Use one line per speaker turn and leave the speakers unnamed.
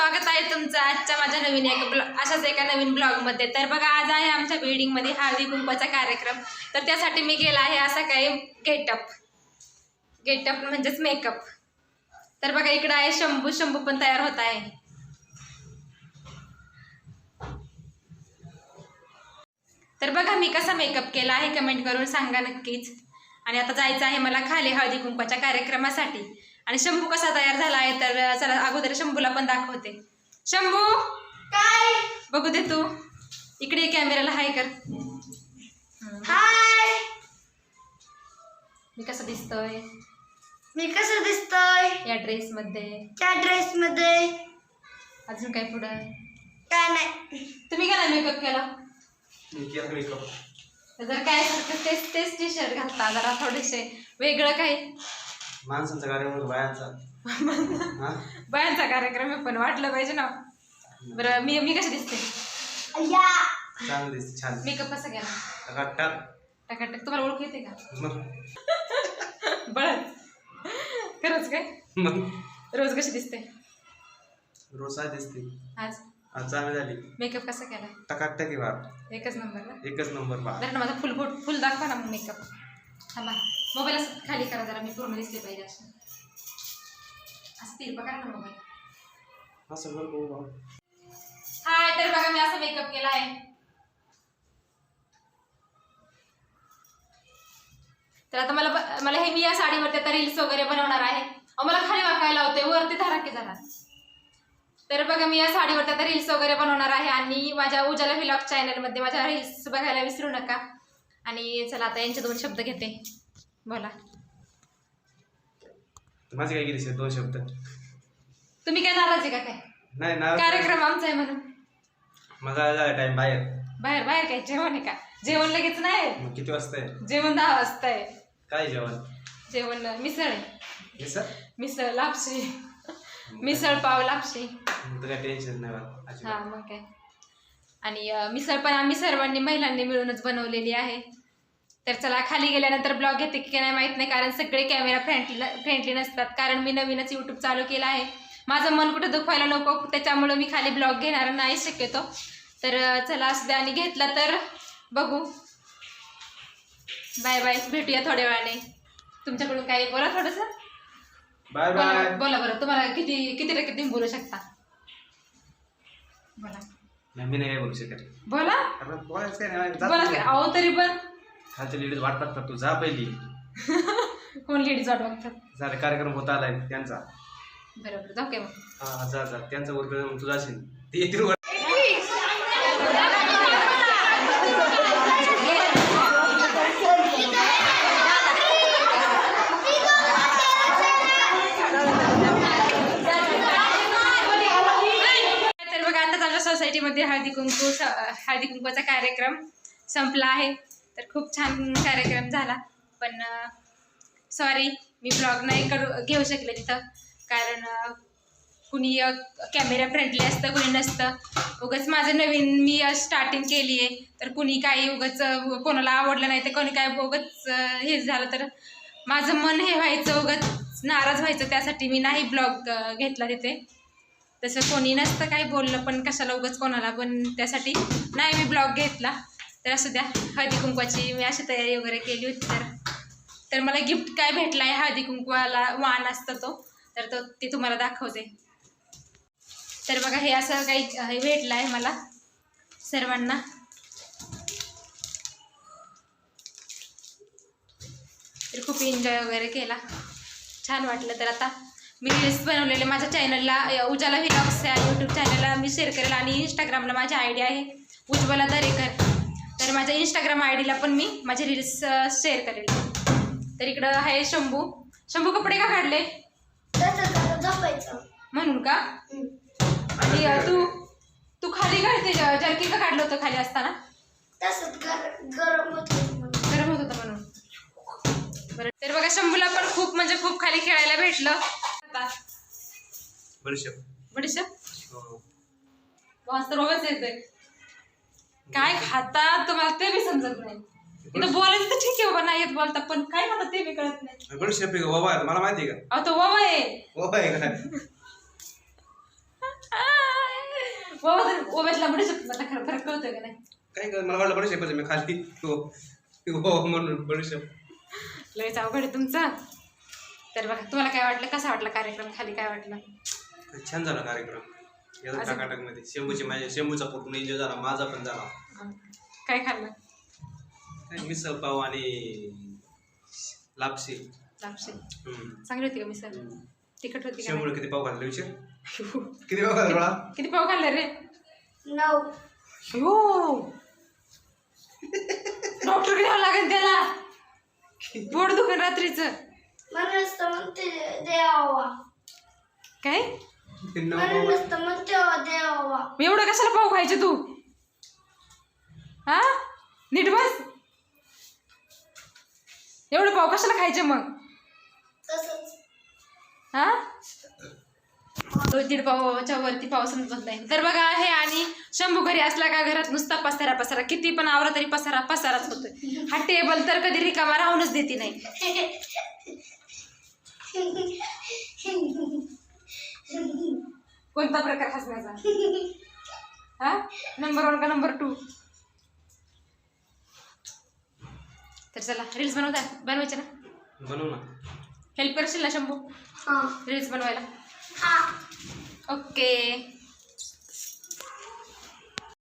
स्वागत आहे तुमचं आजच्या माझ्या नवीन अशाच एका नवीन ब्लॉगमध्ये। तर बघा आज आहे आमच्या बिल्डिंगमध्ये हळदी कुंकवाचा कार्यक्रम। तर त्यासाठी मी गेला आहे असा काही गेटअप म्हणजेच मेकअप। तर बघा इकडे आहे शंभू पण तयार होत आहे। तर बघा मी कसा मेकअप केला आहे कमेंट करून सांगा नक्कीच। आणि आता जायचं आहे मला खाली हळदी कुंकवाच्या कार्यक्रमासाठी। आणि शंभू कसा तयार झाला आहे तर चला अगोदर शंभूला पण दाखवते। शंभू
काय
बघू दे तू इकडे कॅमेराला हाय कर।
हाय
मी कसं दिसतोय या ड्रेस मध्ये
त्या ड्रेस मध्ये
अजून काय पुढं
काय नाही।
तुम्ही काय मेकअप केला
मेकअप
जर काय तेच टी शर्ट घातला जरा थोडेसे वेगळं काही
माणसांचा कार्यक्रम
बायांचा कार्यक्रम आहे पण वाटलं पाहिजे ना। बरं मी कशी दिसते
या
चांगली दिसते छान।
मेकअप कसा केला
टकाटक
टकाटक तुम्हाला ओळख येते का
मग
बरं खरंच काय रोज कशी दिसते
रोज काय दिसते
आज
आज चांगली झाली।
मेकअप कसा केला
टकाटक आहे बाप
एकच नंबर ना
एकच नंबर बाप।
जरा माझा फुल दाखवा ना मग मेकअप। थांबा मोबाईल असं खाली करा जरा मी पूर्ण दिसले पाहिजे असं तिरपा करा ना मोबाईल।
असं बरं
हाय तर बघा मी असा मेकअप केला आहे। तर आता मला हे मी या साडीवरती आता रील्स वगैरे बनवणार आहे। मला खाली वाकायला होते वरती धरा की जरा। तर बघा मी या साडीवरती आता रील्स वगैरे बनवणार आहे आणि माझ्या उजाला व्लॉग चॅनलमध्ये माझ्या रील्स बघायला विसरू नका। आणि चला आता यांचे 2 शब्द घेते बोला।
माझे काय गेली 2 शब्द
तुम्ही काय नाराज आहे का काय
नाही ना
कार्यक्रम आमचा आहे म्हणून
माझा झाला टाइम बाहेर
बाहेर काय जेवण आहे का जेवण लगेच नाही
मग किती वाजता आहे
जेवण 10 वाजता आहे।
काय
जेवण मिसळ आहे मिसळ लापशी मिसळ पाव लापशी
काय टेन्शन नाही
हा मग काय। आणि मिसळ पण आम्ही सर्वांनी महिलांनी मिळूनच बनवलेली आहे। तर चला खाली गेल्यानंतर ब्लॉग घेते की नाही माहित नाही कारण सगळे कॅमेरा फ्रेंडली नसतात कारण मी नवीनच यूट्यूब चालू केला आहे। माझं मन कुठं दुखवायला नको त्याच्यामुळे मी खाली ब्लॉग घेणार नाही शक्यतो। तर चला असू द्या आणि घेतला तर बघू बाय बाय भेटूया थोड्या वेळाने। तुमच्याकडून काही बोला थोडंसं
बाय बाय
बोला बरं तुम्हाला किती टक्के तुम्ही बोलू शकता बोला।
मी नाही काय बोलू शकत
बोला
बोलायचं काय
बोला अहो तरी पण
खालच्या लेडीज वाट बघतात तू जा पहिली
कोण लेडीज वाट बघतात
झाला कार्यक्रम होता आलाय त्यांचा
बरोबर जाऊ काय मग
हा जा त्यांचा वर्ग तू जाशील ते येतील
सोसायटीमध्ये हळदी कुंकवाचा कार्यक्रम संपला आहे। तर खूप छान कार्यक्रम झाला पण सॉरी मी ब्लॉग नाही घेऊ शकले तिथं कारण कुणी कॅमेरा फ्रेंडली असतं कुणी नसतं। उगाच माझं नवीन मी स्टार्टिंग केली आहे तर कुणी काही उगाच कोणाला आवडलं नाही तर कोणी काय उगाच हे झालं तर माझं मन हे व्हायचं उगाच नाराज व्हायचं त्यासाठी मी नाही ब्लॉग घेतला तिथे। तसं कोणी नसतं काही बोललं पण कशाला उगाच कोणाला पण त्यासाठी नाही मी ब्लॉग घेतला। तर असू द्या हळदी कुंकवाची मी अशी तयारी वगैरे केली होती तर मला गिफ्ट काय भेटला आहे हळदी कुंकवाला वाण असतं तो ते तुम्हाला दाखवते। तर बघा हे असं काही भेटलं आहे मला सर्वांना। तर खूप एन्जॉय वगैरे केला छान वाटलं। तर आता मी रील्स बनवलेले माझ्या चॅनलला उजाला व्लॉग्स या यूट्यूब चॅनलला मी शेअर करेल आणि इंस्टाग्रामला माझी आय डी आहे उज्ज्वला दरेकर। तर माझ्या इंस्टाग्राम आय डीला पण मी माझे रील्स शेअर करेल। तर इकडं आहे शंभू कपडे का काढले म्हणून का आणि तू खाली काढते जर्किन का काढलं होतं खाली असताना गरम होत होतं म्हणून बरं। तर बघा शंभूला पण खूप म्हणजे खूप खाली खेळायला भेटलं। बडीशेप मस्त रोगच येते काय खाता तुम्हाला ते बी समजत नाही। इथं बोलायचं तर ठीक आहे बाबा नाही येत बोलता पण काय खाता ते बी कळत नाही।
बडीशेप मला माहिती आहे का
अहो तो वावा आहे
काय
कोब्यातला बडीशेप मला खरं फरक कळतोय का नाही?
काय कर मला वाटलं बडीशेप मी खाली हो म्हणून बडीशेप.
लयच अवघड आहे तुमचं. तर बघा तुम्हाला काय वाटलं, कसा वाटला कार्यक्रम, खाली काय वाटलं?
छान झाला कार्यक्रम एकदम टकाटक मध्ये. शंभूचा पूर्ण एन्जॉय झाला, माझा पण झाला.
काय खाल्लं?
काय मिसळ पाव आणि लापशी.
लापशी चांगली होती का मिसळ? तिखट होती का?
शंभूने किती पाव खाल्ले विचार? किती पाव खाल्ले बाळा?
किती पाव खाल्ले रे?
9.
हो डॉक्टर घ्यावं लागेल त्याला, पोट दुखन रात्रीचं.
म्हणूनच तर म्हणते देवा.
काय
म्हणूनच तर म्हणते देवा.
मी एवढं कशाला पाव खायचे तू? हा नीट बस. एवढं पाव कशाला खायचे मग?
तसंच.
हा 2-3 पावाच्या वरती पाव समजत नाही. तर बघा हे आणि शंभू घरी असला का घरात नुसता पसारा पसारा, किती पण आवरा तरी पसारा पसाराच होतोय. हा टेबल तर कधी रिकामा राहूनच देते नाही. कोणता प्रकार हसण्याचा? हा नंबर 1 का नंबर 2? तर चला रील्स बनवायचे ना?
बनवू ना.
हेल्प करशील ना शंभू
हां
रील्स बनवायला?
हां
ओके